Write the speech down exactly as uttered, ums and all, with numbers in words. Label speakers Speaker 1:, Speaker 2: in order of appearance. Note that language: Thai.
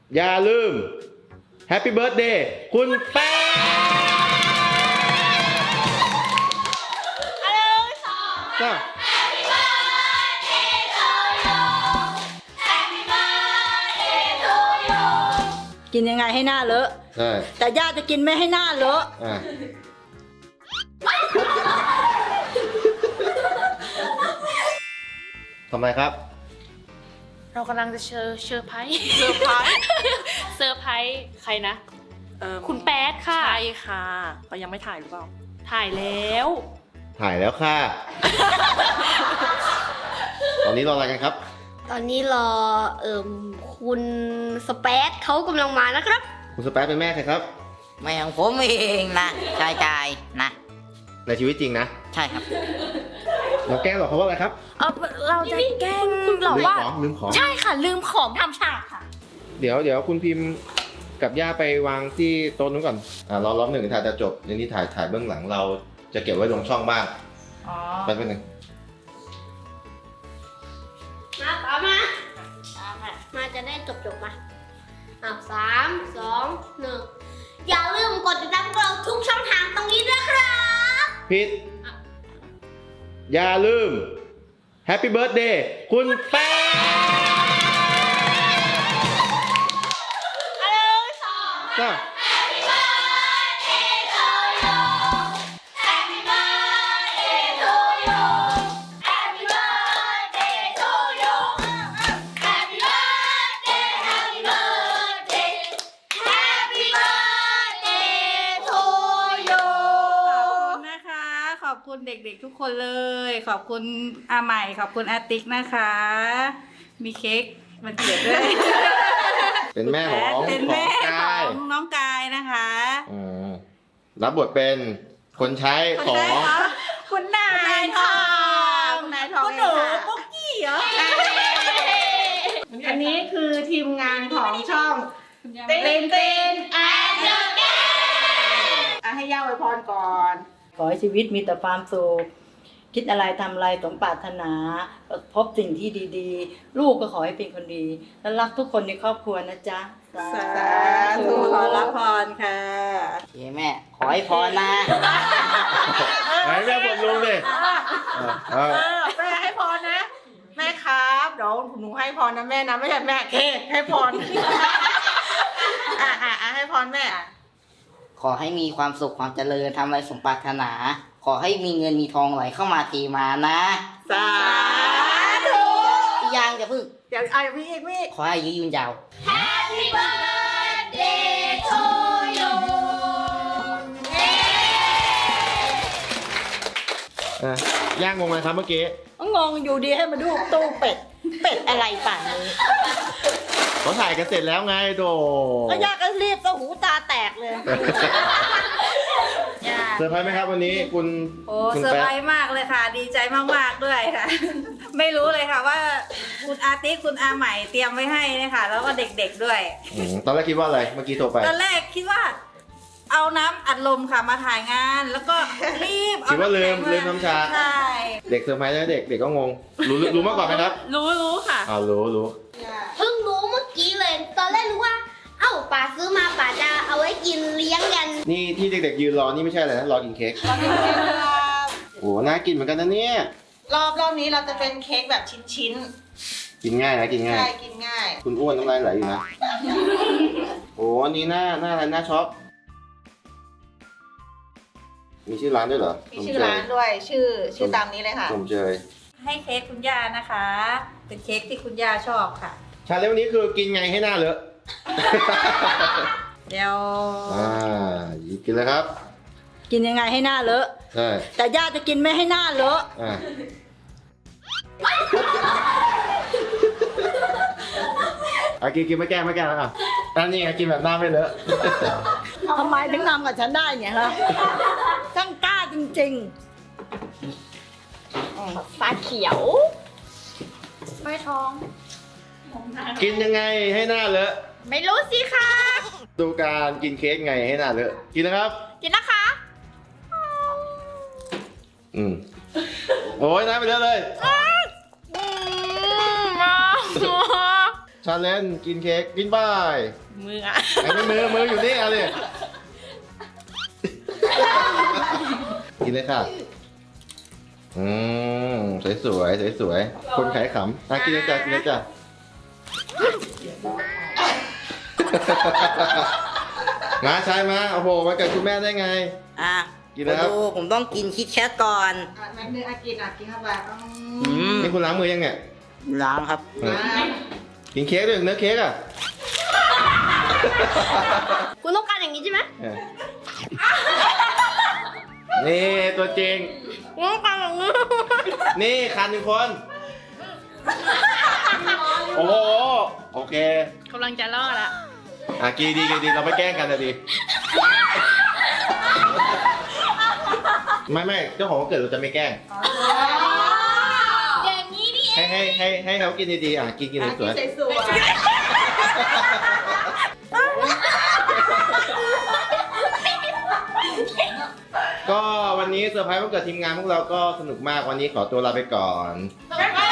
Speaker 1: อย่าลืมแฮปปี้เบิร์ธเดย์คุณแป๊ะก็
Speaker 2: กินยังไงให้หน้าเลอะ
Speaker 1: ใช่
Speaker 2: แต่ย่าจะกินไม่ให้หน้าเลอะ
Speaker 1: อ่ะทำไมครับ
Speaker 3: เรากำลังจะเชอร์เชอร์ไพรส์เซอร์ไพรส์เซอร์ไพรส์ใครนะคุณแป๊ดค่ะใช่ค่ะเรายังไม่ถ่ายหรือเปล่าถ่ายแล้ว
Speaker 1: ถ่ายแล้วค่ะ ตอนนี้รออะไรกันครับ
Speaker 4: ตอนนี้รอเอ่มคุณสเปซเขากำลังมานะครับ
Speaker 1: คุณสเปซเป็นแม่ใครครับ
Speaker 5: แม่ของผมเองนะชายกายนะ
Speaker 1: ในชีวิตจริงนะ
Speaker 5: ใช่ครับ
Speaker 1: เราแกล้งหรอกเขาว่าอะไรครับ
Speaker 3: เออเราจะแกล้งคุณหรอว่า
Speaker 1: ลืมของ
Speaker 3: ใช่ค่ะลืมของทำฉากค่ะ
Speaker 1: เดี๋ยวเดี๋ยวคุณพิมพ์กับย่าไปวางที่โต๊ะนู้นก่อนอ่ารอรอบหนึ่งถ่ายจะจบเดี๋ยวนี้ถ่ายถ่ายเบื้องหลังเราจะเก็บไว้ลงช่องบ้าง
Speaker 3: อ๋อ
Speaker 1: ไปเป็นหนึ่ง
Speaker 4: มาต่อมามาจะได้จบจบมาอ่ะสามสองหนึ่งอย่าลืมกดติดตามเราทุกช่องทางตรงนี้ด้วยครับ
Speaker 1: ผิดอย่าลืมแฮปปี้เบิร์ธเดย์คุณแป๊ะก็
Speaker 2: ขอบคุณเด็กๆทุกคนเลยขอบคุณอาใหม่ขอบคุณอาติ๊กนะคะมีเค้กมันเกิดด้วย
Speaker 1: เป็นแม่ของ
Speaker 2: เป็นแม่ของน้องกายนะคะ
Speaker 1: รับบทเป็นคนใช้ของ
Speaker 2: คุณนายทองคุณนายทองคุณหนูปุ๊กกี้เหรออันนี้คือทีมงานของช่องเต้นเต้นแอนเดอร์เกนให้ย่าอวยพรก่อนขอให้ชีวิตมีแต่ความสุขคิดอะไรทำอะไรสมปรารถนาพบสิ่งที่ดีๆลูกก็ขอให้เป็นคนดีและรักทุกคนในครอบครัวนะจ๊ะสาธุขอรับพรค่ะ
Speaker 5: เฮ้แม่ขอให้พรนะ
Speaker 1: ให้แม่บนลุงดิ
Speaker 2: เออแม่ให้พรนะแม่ครับเดี๋ยวหนูให้พรนะแม่นะไม่ใช่แม่เคให้พรอ่ะอ่ะให้พรแม่
Speaker 5: ขอให้มีความสุขความเจริญทำอะไรสมปรารถนาขอให้มีเงินมีทองไหลเข้ามาเทมานะ
Speaker 2: สาธุ
Speaker 5: ยังจะพึ่ง
Speaker 2: เดี๋ยวไอ้พี่พี่
Speaker 5: ขอให้อายุยืนยาว
Speaker 4: Happy birthday to you
Speaker 1: ย่างงงไหมครับเมื่อกี้
Speaker 2: งงอยู่ดีให้มาดูตู้เป็ดเป็ดอะไรป่านนี้
Speaker 1: เขาถ่ายกันเสร็จแล้วไงโด
Speaker 2: ก็ยากก็รีบก็หูตาแตกเลย
Speaker 1: เซอร์ไพรส์ไหมครับวันนี้คุณ
Speaker 2: โอ้เซอร์ไพรส์มากเลยค่ะดีใจมากๆด้วยค่ะไม่รู้เลยค่ะว่าคุณอาติ๊กคุณอาใหม่เตรียมไว้ให้นะคะแล้วก็เด็กๆด้วย
Speaker 1: ตอนแรกคิดว่าอะไรเมื่อกี้โทรไป
Speaker 2: ตอนแรกคิดว่าเอาน้ำอัดลมค่ะมาถ่ายงานแล้วก็รีบ
Speaker 1: คิดว่าลืมลืมน้ำชา
Speaker 2: ใช่
Speaker 1: เด็กเซอร์ไพรส์แล้วเด็กเด็กก็งงรู้รู้มาก่อนไหมครับ
Speaker 3: รู้รู้ค่ะ
Speaker 1: อ้าวรู้รู้
Speaker 4: เพิ่งรู้เมื่อกี้เลยตอนแรกรู้ว่าเอ้าป๋าซื้อมาป๋าจะเอาไว้กินเลี้ยงกัน
Speaker 1: นี่ที่เด็กๆยืนรอนี่ไม่ใช่อะไรนะรอกินเค้กโอ้น่ากินเหมือนกันนะเนี่ย
Speaker 2: รอบรอบนี้เราจะเป็นเค้กแบบชิ้น
Speaker 1: ๆกินง่ายนะกินง่าย
Speaker 2: ใช่กินง่าย
Speaker 1: คุณอ้วนน้ำลายไหลอยู่นะโอ้อันนี้หน้าหน้าอะไรหน้าช็อปมีชื่อร้านด้วยเหรอ
Speaker 2: มีชื่อร้านด้วยชื่อชื่อตามนี้เลยค่ะ
Speaker 1: ผมเจย
Speaker 2: ให้เค้กคุณย่านะคะเป็นเค้กที่คุณย่าชอบค่ะ
Speaker 1: ชาเลนจ์วันนี้คือกินไงให้หน้าเลอะ
Speaker 2: เดี๋ยว
Speaker 1: อ่ากินเลยครับ
Speaker 2: กินยังไงให้หน้าเลอะ
Speaker 1: ใช่
Speaker 2: แต่ย่าจะกินไม่ให้หน้าเลอะ
Speaker 1: อ่าอ่ะกินกินไม่แก้ไม่แก้แล้วอ่ะอันนี้ไงกินแบบหน้าไม่เลอะ
Speaker 2: ทำไมถึงทำกับฉันได้เนี่ยฮะช่างกล้าจริง
Speaker 3: ๆฟ้าเขียวไม่ท้อง
Speaker 1: กินยังไงให้หน้าเลอะ
Speaker 3: ไม่รู้สิคะ
Speaker 1: ดูการกินเค้กไงให้หน้าเลอะกินนะครับ
Speaker 3: กินนะคะ
Speaker 1: อืมโอ้ยน้ำไปเลอะเลยชาเลนจ์กินเค้กกินบาย
Speaker 3: มืออ่ะ
Speaker 1: ไอ้ไม่มือมืออยู่นี่เอะไรกินเลยค่ะอืมสวยสวยสวยสวยๆคนขายขำอ่ะกินเลยจ้ะกินเลยจ้ะมาใช่มาโอ้โหมากับคุณแม่ได้ไง
Speaker 5: อ่ะ
Speaker 1: กินแล้ว
Speaker 5: ดูผมต้องกินคิดแคทก่อน
Speaker 2: อ่ะแม่นึงอากินอ่ะกินเข้าไปอืม
Speaker 5: อืม
Speaker 1: นี่คุณล้างมือยังเนี่ย
Speaker 5: ล้างครับ
Speaker 1: เออกินเค้กด้วยเนื้อเค้กอ่ะ
Speaker 4: คุณต้องการอย่างนี้ใช่ไหม
Speaker 1: เออนี่ตัวจริง
Speaker 4: คุณต้องการอย่างนี้
Speaker 1: นี่คันหนึ่งคน โอ้โห โอเค
Speaker 3: กำลังจะรอดละ
Speaker 1: อ่ะกีดีกีดีเราไม่แกล้งกันนะดี ไม่ไม่เจ้าของวันเกิดเราจะไม่แกล้ง
Speaker 4: อย่างนี้นี่
Speaker 1: ให้ให้ให้ให้เขากินดีๆอ่ะกินกิน
Speaker 2: อ่ะ
Speaker 1: ส
Speaker 2: กิน
Speaker 1: วย
Speaker 2: สวย
Speaker 1: ๆก็วันนี้เซอร์ไพรส์วันเกิดทีมงานพวกเราก็สนุกมากวันนี้ขอตัวลาไปก่อน
Speaker 2: ๆ